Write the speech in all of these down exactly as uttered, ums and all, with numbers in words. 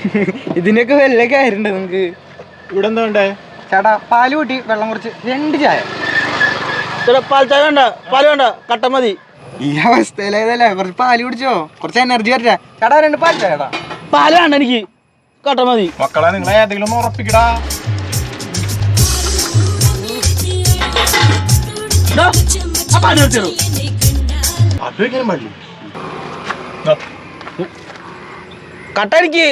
ഇതിനൊക്കെ വല്ല കാര്യമുണ്ട് നിങ്ങക്ക്? ഇവിടെ എന്താ വേണ്ടേ? ചേട്ടാ പാല് കൂട്ടി വെള്ളം കുറച്ച് രണ്ട് ചായ. ചേട്ടാ പാൽ ചായ വേണ്ട, പാല് വേണ്ട, കട്ട മതി. ഈ അവസ്ഥയിലേതല്ലേ, കുറച്ച് പാല് കുടിച്ചോ, കുറച്ച് എനർജി വരട്ടെ. ചേട്ടാ രണ്ട് പാൽ ചായ. ചേട്ടാ പാല് വേണ്ട, എനിക്ക് കട്ട മതി. മക്കളെ നിങ്ങളെ ഏതെങ്കിലും ഒന്ന് ഉറപ്പിക്കടാ. കട്ട എനിക്ക്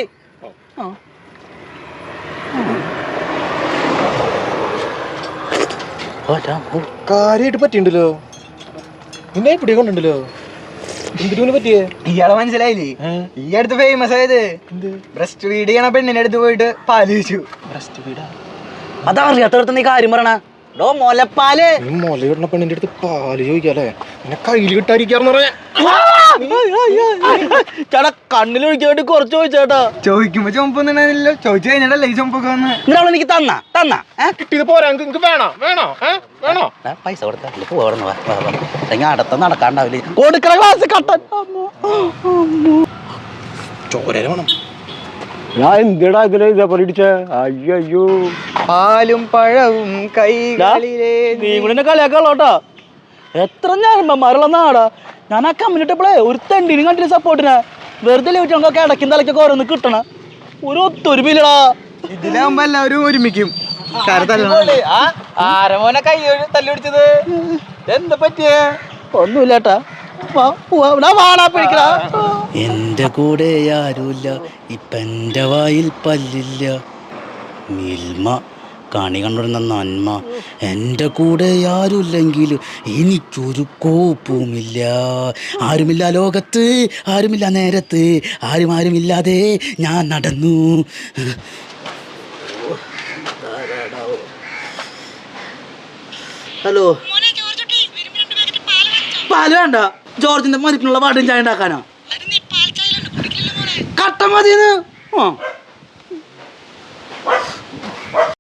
കാര്യമായിട്ട് പറ്റിണ്ടല്ലോ, നിന്നെ പിടിയെ കൊണ്ടുണ്ടല്ലോ. എന്തിനു പറ്റിയേ? ഇയാളെ മനസ്സിലായില്ലേ? ഈ അടുത്ത് ഫേമസ് ആയത് ബ്രസ്റ്റ് ഫീഡ് ചെയ്യണ പെണ്ണിന്റെ അടുത്ത് പോയിട്ട് പാല് ചോദിച്ചു. ബ്രസ്റ്റ് ഫീഡാ? അതറിയാത്തടത്ത് നീ കാര്യം പറയണ. ഡോ മുലപ്പാല്. ഈ മുലയിടുന്ന പെണ്ണിന്റെ അടുത്ത് പാല് ചോദിക്കാല്ലേ? എന്നെ കയ്യിൽ കിട്ടാതിരിക്കാന്ന് പറഞ്ഞ ചേട്ടാ കണ്ണിലൊഴിക്കാൻ വേണ്ടി കുറച്ച് ചോദിച്ചേട്ടാ. ചോദിക്കുമ്പോ ചുമപ്പൊന്നുണ്ടല്ലോ, ചോദിച്ചു കഴിഞ്ഞാലല്ലേ ഈ ചുമപ്പൊക്കെ വന്ന്. നിങ്ങൾ എനിക്ക് തന്ന തന്ന കിട്ടിയത് പോരാ, നിങ്ങക്ക് വേണോ വേണോ വേണോ? പൈസ കൊടുത്ത പോകണം, അടുത്ത നടക്കാണ്ടാവില്ലേ. കൊടുക്കണ ക്ലാസ് കട്ടൻ ചോര വേണം. ഞാൻ എന്തിടാ ഇതിലെ ഇതേപോലെ ഇടിച്ചേ? അയ്യോ, പാലും പഴവും കൈകളിലേ. നീ കൂടെ കളിയാക്കാളോട്ടാ. എത്ര ഞാന്മാരുള്ള നാടാ. ഞാൻ ആ കമ്മ്യൂണിറ്റപ്പോളേ ഒരു തെണ്ടിനും കണ്ടില്ല സപ്പോർട്ടിനെ. വെറുതെ ലഭിച്ചൊക്കെ ഇടയ്ക്കും തലയ്ക്കൊക്കെ ഓരോന്ന് കിട്ടണ ഒരു ഒത്തൊരുമില്ലടാ. ഇതിലാവുമ്പോ എല്ലാവരും ഒരുമിക്കും. ആരമോനെ കൈ തല്ലുപിടിച്ചത് എന്താ പറ്റിയേ? ഒന്നുമില്ലേട്ടാ. എന്റെ കൂടെ ആരുമില്ല, ഇപ്പൊ എന്റെ വായിൽ പല്ലില്ല. മിൽമ കണി കണ്ടുവരുന്ന നന്മ. എൻ്റെ കൂടെ ആരുമില്ലെങ്കിൽ എനിക്കൊരു കോപ്പുമില്ല. ആരുമില്ല ലോകത്ത്, ആരുമില്ല നേരത്ത്, ആരും ആരുമില്ലാതെ ഞാൻ നടന്നു. ഹലോ, പാല് വേണ്ട. ജോർജിന്റെ മരിപ്പിനുള്ള വാടും ചായ ഉണ്ടാക്കാനാ? കട്ട മതിന്ന്. ആ